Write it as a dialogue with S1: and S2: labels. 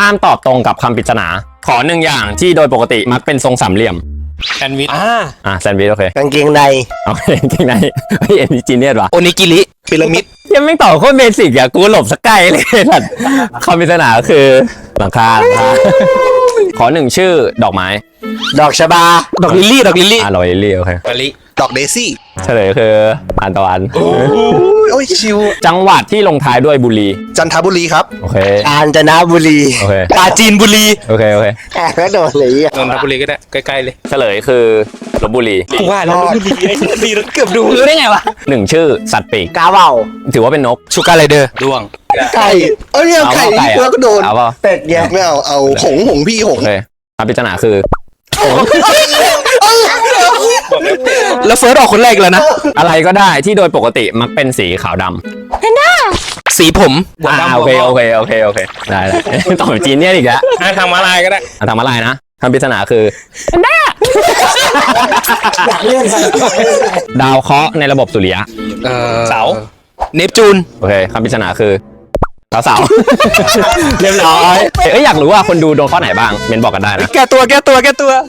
S1: ห้ามตอบตรงกับคำปริศนาขอหนึ่งอย่างที่โดยปกติมักเป็นทรงสามเหลี่ยม
S2: แซนด์วิช
S1: แซนด์วิชโอเค
S3: กางเกงใน
S1: โอเคจริงไหมเฮ้ยอันนี้จีเนียสว่ะ
S2: โอนิกิริพีระมิด
S1: ยังไม่ตอบโคตรเบสิกอะกูหลบสักไกลเลยสัตว์คำปริศนาคือหลังคาขอหนึ่งชื่อดอกไม้
S3: ดอกชบา
S2: ดอกลิลลี่
S1: ลอยลิลลี่โอเค
S2: มะลิ
S4: ดอกเดซี่
S1: เฉลยคืออันตะวัน
S4: โอ้ยชิว
S1: จังหวัดที่ลงท้ายด้วยบุรี
S4: จันทบุรีครับ
S1: โอเค
S3: กาญจนบุรี
S1: โอเค
S2: ปราจีนบุรี
S1: โอเค
S3: แอบก็โดนเลยอ่ะ
S2: นนทบุรีก็ได้ใกล้ๆเลย
S1: เฉลยคือลบบุรี
S2: กูว่าแล้วบุรีไอ้บุรีแล้วเกือบดูรู้ได้ไงวะ
S1: หนึ่งชื่อสัตว์ปีก
S3: กาเบา
S1: ถือว่าเป็นนก
S2: ชูการ์ไรเดอร์ด้วง
S4: ไก่เอ้ยเอาไก่ที่แล้วก็โดน
S1: เอาเปล่า
S3: เป็ดเนี่ย
S4: ไม่เอาหงพี่ห
S1: โอง เคคำปริศนาคือ
S2: แล้วเฟิร์สออกคนแรกแล้วนะ
S1: อะไรก็ได้ที่โดยปกติมักเป็นสีขาวดำ
S2: สีผม
S1: โอเคได้ตอบจีนเนี่ยอีกแล้ว
S2: ทางมาลายก็ได้
S1: ทำอะไรนะคำปริศนาคือดาวเคราะห์ในระบบสุริยะ
S2: เสาเนปจูน
S1: โอเคคำปริศนาคือเสา เรียบร้อยอยากรู้ว่าคนดูโดนข้อไหนบ้างเมนบอกกันได้นะ
S2: แก้ตัว